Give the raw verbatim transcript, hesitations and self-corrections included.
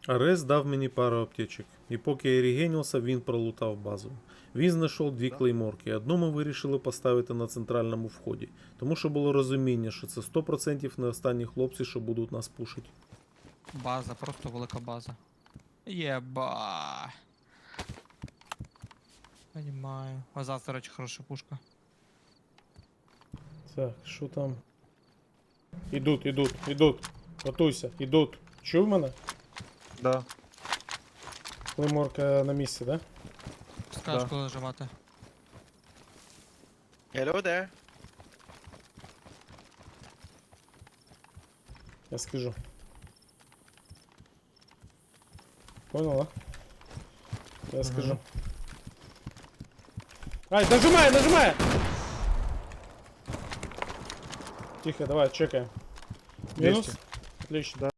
Арес дав мені пару аптечок, і поки я регенився, він пролутав базу. Він знайшов дві клейморки, одну ми вирішили поставити на центральному вході, тому що було розуміння, що це сто відсотків не останні хлопці, що будуть нас пушити. База, просто велика база. Єба. Понимаю. А завтра, речі, хороша пушка. Так, що там? Ідуть, ідуть, ідуть. Готуйся, ідуть. Чув мене? Да. Клейморка на місці, да? Скажеш, Да. коли нажимати. Hello there. Я скажу. Понял, да? Я скажу. Ай, нажимай, нажимай! Тихо, давай, чекаем. Минус? двести. Отлично. Да.